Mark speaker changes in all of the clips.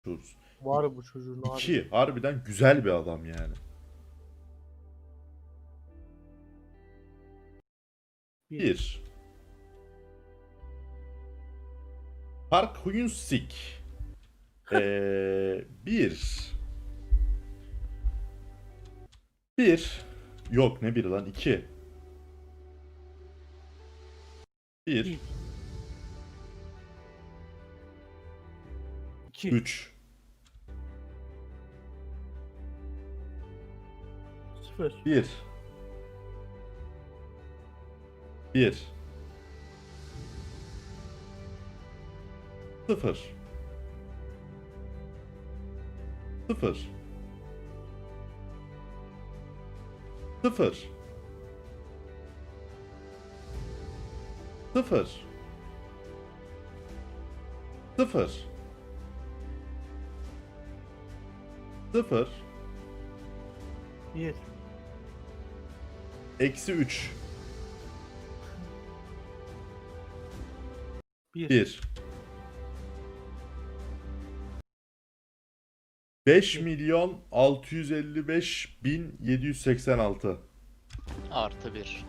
Speaker 1: Var bu çocuğun harbi.
Speaker 2: 2. Harbiden güzel bir adam yani.
Speaker 1: Bir.
Speaker 2: 1. Park Hyun-sik. 1. 1. Yok ne 1 lan 2. 1.
Speaker 1: Bir. 2.
Speaker 2: 3.
Speaker 1: 0.
Speaker 2: 1. 1. 0. 0. 0. 0. 0. 0.
Speaker 1: 1.
Speaker 2: Eksi 3.
Speaker 1: 1.
Speaker 2: 1. 5.655.786.
Speaker 3: Artı 1.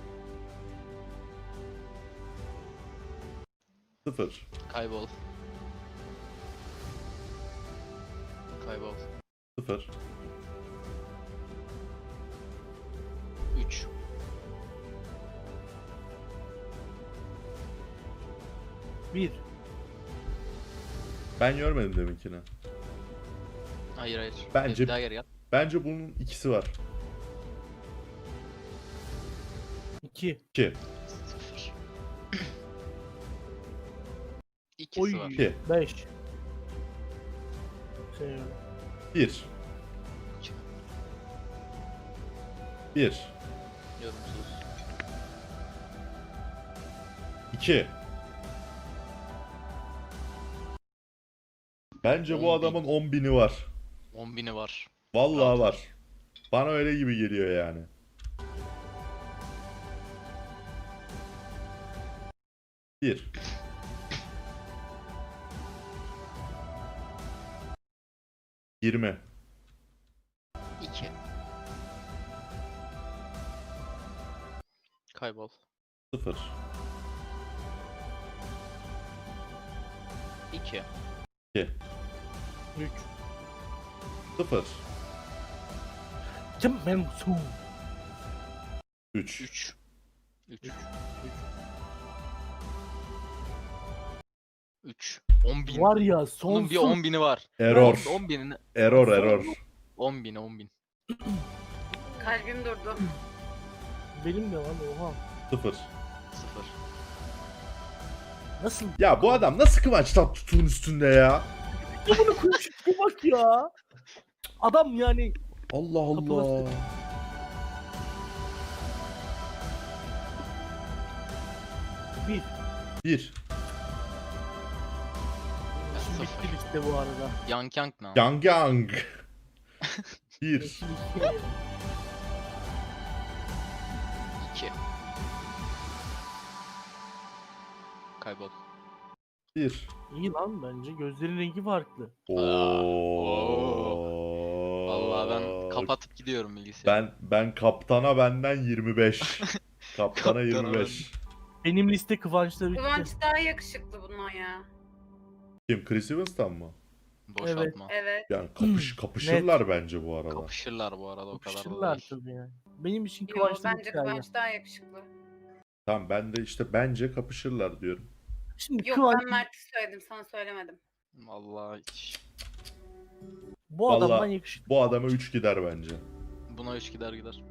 Speaker 2: 0.
Speaker 3: Kaybol. Kaybol.
Speaker 2: 0.
Speaker 3: 3.
Speaker 1: 1.
Speaker 2: Ben görmedim deminkini.
Speaker 3: Hayır hayır.
Speaker 2: Bence-
Speaker 3: Bir daha geri yat.
Speaker 2: Bence bunun ikisi var.
Speaker 1: 2.
Speaker 2: 2.
Speaker 3: 0. İkisi
Speaker 1: Oy.
Speaker 3: var.
Speaker 2: 2.
Speaker 1: 5. Şey,
Speaker 2: 1. 1.
Speaker 3: Yorumsuz.
Speaker 2: 2. Bence bu
Speaker 3: 10.000.
Speaker 2: adamın 10.000'i var.
Speaker 3: 10.000'i var.
Speaker 2: Vallahi
Speaker 3: Rahat
Speaker 2: var.
Speaker 3: ol.
Speaker 2: Bana öyle gibi geliyor yani. 1. 20.
Speaker 3: 2. Kaybol.
Speaker 2: 0.
Speaker 3: 2.
Speaker 2: 2.
Speaker 1: 3.
Speaker 2: 0.
Speaker 1: Kim ben su?
Speaker 2: 3.
Speaker 3: 3. 3. 3. 10.000.
Speaker 1: Var ya
Speaker 3: Bunun
Speaker 1: sonsuz.
Speaker 3: bir 10.000'i var.
Speaker 2: Error.
Speaker 3: 10.000'ini.
Speaker 2: Error.
Speaker 3: 10.000. 10.000.
Speaker 4: Kalbim durdu.
Speaker 1: Benim de lan oha.
Speaker 2: 0.
Speaker 3: 0.
Speaker 1: Nasıl?
Speaker 2: Ya bu adam nasıl Kıvanç Tatlıtuğ'un üstünde ya?
Speaker 1: Ya bunu konuşup bak ya. Adam yani
Speaker 2: Allah
Speaker 1: Kapılar-
Speaker 2: Allah.
Speaker 1: bir.
Speaker 2: 1.
Speaker 1: İşim
Speaker 3: Sıfır.
Speaker 1: bitti liste bu arada.
Speaker 3: Yang Yang ne?
Speaker 2: Yang Yang. 1.
Speaker 1: Yeşil iki.
Speaker 3: 2. Kaybol.
Speaker 2: 1.
Speaker 1: İyi lan bence. Gözlerin rengi farklı.
Speaker 3: Vallahi ben kapatıp gidiyorum bilgisayarı.
Speaker 2: Ben kaptana benden 25. Kaptana
Speaker 3: Kaptana
Speaker 2: 25.
Speaker 1: Benim liste Kıvanç'ta bitti.
Speaker 4: Kıvanç daha yakışıklı bundan ya.
Speaker 2: Kim? Chris Evans'tan mı?
Speaker 3: Boşaltma.
Speaker 4: Evet.
Speaker 2: Yani kapışırlar bence bu arada.
Speaker 3: Kapışırlar bu arada o kadar da
Speaker 1: Kapışırlar
Speaker 3: değil.
Speaker 1: tabii yani. Benim için
Speaker 4: Yo,
Speaker 1: Kıvanç'ta
Speaker 4: bence
Speaker 1: bitti abi.
Speaker 4: Kıvanç daha yakışıklı.
Speaker 2: Tamam ben de işte bence kapışırlar diyorum.
Speaker 1: Şimdi
Speaker 4: Yok
Speaker 1: Kıvanç
Speaker 4: ben Mert'i söyledim sana söylemedim.
Speaker 3: Vallahi hiç.
Speaker 1: bu adamdan
Speaker 2: Vallahi
Speaker 1: yakışıklı.
Speaker 2: bu adama 3 gider bence.
Speaker 3: Buna 3 gider.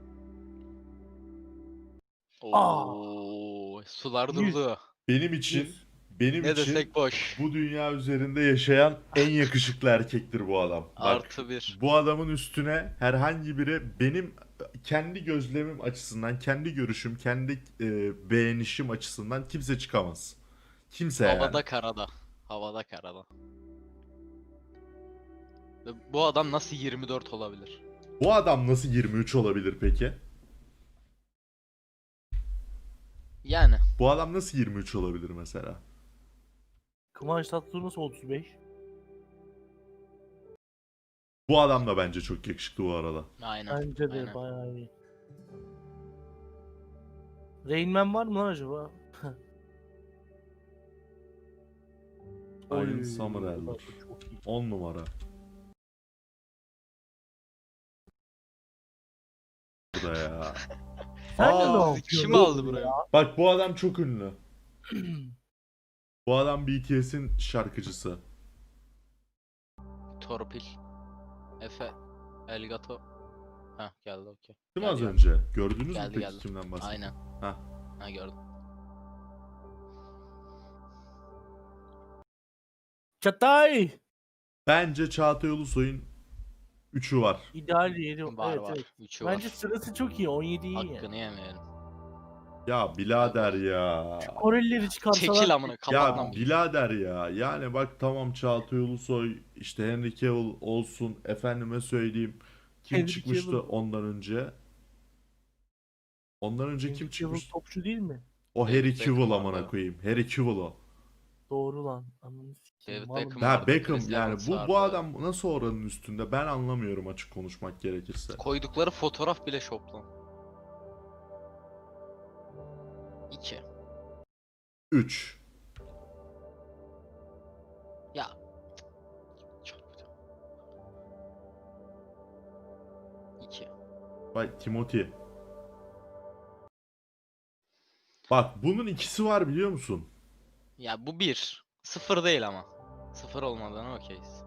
Speaker 1: Aa.
Speaker 3: Oo, sular
Speaker 1: 100.
Speaker 3: durdu.
Speaker 2: Benim için benim
Speaker 3: Ne
Speaker 2: için
Speaker 3: desek boş.
Speaker 2: bu dünya üzerinde yaşayan en yakışıklı erkektir bu adam. Bak,
Speaker 3: Artı 1.
Speaker 2: bu adamın üstüne herhangi biri benim kendi gözlemim açısından, kendi görüşüm, kendi beğenişim açısından kimse çıkamaz. Kimse
Speaker 3: Havada
Speaker 2: yani.
Speaker 3: karada. Havada karada. Ve bu adam nasıl 24 olabilir?
Speaker 2: Bu adam nasıl 23 olabilir peki?
Speaker 3: Yani
Speaker 2: Bu adam nasıl 23 olabilir mesela?
Speaker 1: Kıvanç Tatlıtuğ nasıl 35?
Speaker 2: Bu adam da bence çok yakışıklı bu arada.
Speaker 3: Aynen.
Speaker 1: Bence de
Speaker 3: aynen.
Speaker 1: bayağı iyi. Rain Man var mı lan acaba?
Speaker 2: Iron
Speaker 1: Oy,
Speaker 2: Summerel'dir.
Speaker 1: bak bu çok iyi.
Speaker 2: 10 numara. Bu da ya.
Speaker 1: Sen de
Speaker 2: Aa,
Speaker 1: ne
Speaker 3: Bizi
Speaker 1: yapıyorsun?
Speaker 3: kim aldı buraya?
Speaker 2: Bak bu adam çok ünlü. Bu adam BTS'in şarkıcısı.
Speaker 3: Torpil. Efe. Elgato. Heh geldi okey.
Speaker 2: Değil mi az
Speaker 3: Geldi,
Speaker 2: önce? Gördünüz mü
Speaker 3: Geldi,
Speaker 2: peki
Speaker 3: geldi.
Speaker 2: kimden bahsediyor?
Speaker 3: Aynen.
Speaker 2: Hah.
Speaker 3: Ha gördüm.
Speaker 1: Çatay!
Speaker 2: Bence Çağatay Ulusoy'un 3'ü var.
Speaker 1: İdeal yeri.
Speaker 3: Var
Speaker 1: Evet,
Speaker 3: var.
Speaker 1: evet.
Speaker 3: 3'ü
Speaker 1: Bence
Speaker 3: var.
Speaker 1: sırası çok iyi. 17 iyi.
Speaker 3: Hakkını yemeyelim.
Speaker 2: Ya birader ya.
Speaker 1: Korelileri çıkarsalar.
Speaker 3: Çekil amına kapat
Speaker 2: Ya
Speaker 3: lan.
Speaker 2: birader ya. Yani bak tamam Çağatay Ulusoy, işte Henry Cavill olsun, efendime söyleyeyim. Kim
Speaker 1: Henry
Speaker 2: çıkmıştı
Speaker 1: Cavill.
Speaker 2: ondan önce? Ondan önce
Speaker 1: Henry
Speaker 2: kim
Speaker 1: Cavill
Speaker 2: çıkmıştı?
Speaker 1: topçu değil mi?
Speaker 2: O
Speaker 3: David
Speaker 2: Harry
Speaker 3: Beckham
Speaker 2: Cavill
Speaker 3: vardı.
Speaker 2: amına koyayım. Harry Cavill o.
Speaker 1: Doğru lan. Ananı sikeyim.
Speaker 3: David
Speaker 1: Vallahi-
Speaker 3: Beckham.
Speaker 2: Ya
Speaker 3: vardı,
Speaker 2: Beckham
Speaker 3: Chris
Speaker 2: yani
Speaker 3: Evans
Speaker 2: bu
Speaker 3: vardı.
Speaker 2: adam nasıl oranın üstünde ben anlamıyorum açık konuşmak gerekirse.
Speaker 3: Koydukları fotoğraf bile şop lan. 2.
Speaker 2: 3.
Speaker 3: Ya. Çarpacağım. 2.
Speaker 2: Bak Timothy. Bak bunun ikisi var biliyor musun?
Speaker 3: Ya bu 1. 0 değil ama. 0 olmadan okeyiz.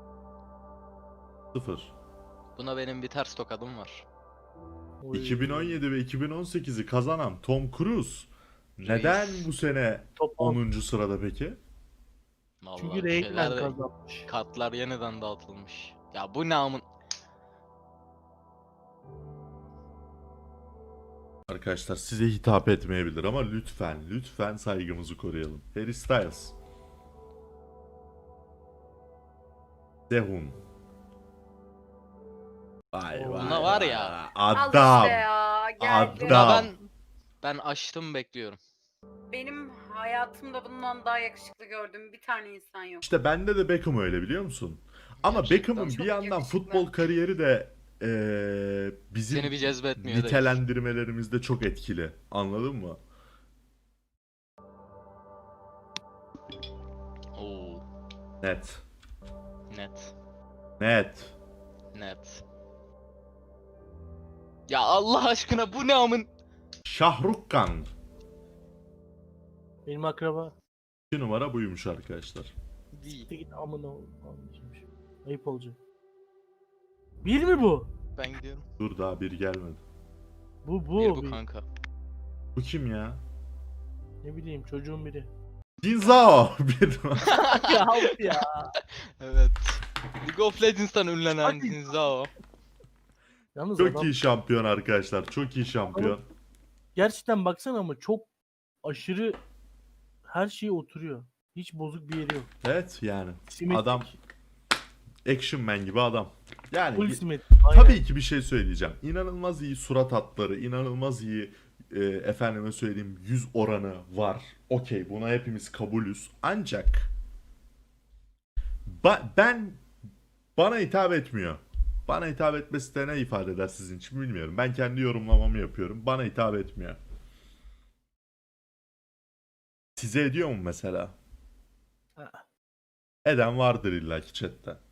Speaker 2: 0.
Speaker 3: Buna benim bir ters tokadım var.
Speaker 1: Oy.
Speaker 2: 2017 ve 2018'i kazanan Tom Cruise neden bu sene
Speaker 1: Top 10.
Speaker 2: 10. sırada peki?
Speaker 3: Vallahi
Speaker 1: Çünkü
Speaker 3: bir
Speaker 1: Rain
Speaker 3: şeyler
Speaker 1: Man
Speaker 3: de-
Speaker 1: kazanmış.
Speaker 3: Kartlar yeniden dağıtılmış. Ya bu namın...
Speaker 2: Arkadaşlar size hitap etmeyebilir ama lütfen saygımızı koruyalım. Harry Styles. Sehun. Vay vay.
Speaker 3: Buna var
Speaker 2: vay.
Speaker 3: ya.
Speaker 4: Al
Speaker 2: Adam.
Speaker 4: işte ya. Geldi.
Speaker 2: Adam.
Speaker 3: Buna ben açtım bekliyorum.
Speaker 4: Benim hayatımda bundan daha yakışıklı gördüğüm bir tane insan yok.
Speaker 2: İşte bende de Beckham öyle biliyor musun? Ama
Speaker 3: Gerçekten
Speaker 2: Beckham'ın
Speaker 4: çok
Speaker 2: bir yandan
Speaker 4: yakışıklı.
Speaker 2: futbol kariyeri de bizim
Speaker 3: Seni bir cezbetmiyor değil.
Speaker 2: nitelendirmelerimizde çok etkili. Anladın mı?
Speaker 3: Oo,
Speaker 2: Net.
Speaker 3: net.
Speaker 2: Net.
Speaker 3: Net. Ya Allah aşkına bu ne amın?
Speaker 2: Şahrukh Khan.
Speaker 1: Benim akraba.
Speaker 2: 2 numara buymuş arkadaşlar.
Speaker 3: Değil.
Speaker 1: Git amına oğlum. Ayıp olacak. Bir mi bu?
Speaker 3: Ben gidiyorum.
Speaker 2: Dur daha bir gelmedi.
Speaker 1: Bu
Speaker 3: Bir bu
Speaker 1: bir.
Speaker 3: kanka.
Speaker 2: Bu kim ya?
Speaker 1: Ne bileyim çocuğun biri.
Speaker 2: Jin Zhao. Bir numara.
Speaker 1: ya of ya.
Speaker 3: Evet. League of Legends'tan ünlenen
Speaker 1: Hadi.
Speaker 3: Jin Zhao.
Speaker 1: Yalnız
Speaker 2: Çok
Speaker 1: adam
Speaker 2: iyi şampiyon arkadaşlar. Çok iyi şampiyon.
Speaker 1: gerçekten baksana ama çok aşırı her şeye oturuyor. Hiç bozuk bir yeri yok.
Speaker 2: Evet yani.
Speaker 1: Simetrik.
Speaker 2: Adam Action Man gibi adam. Yani
Speaker 1: Full simetrik. Aynen.
Speaker 2: tabii ki bir şey söyleyeceğim. İnanılmaz iyi surat hatları, inanılmaz iyi efendime söyleyeyim yüz oranı var. Okey, buna hepimiz kabulüz. Ancak bana hitap etmiyor. Bana hitap etmesi de ne ifade eder sizin için bilmiyorum. Ben kendi yorumlamamı yapıyorum. Bana hitap etmiyor. Size ediyor mu mesela?
Speaker 1: Ha.
Speaker 2: Eden vardır illaki chatte.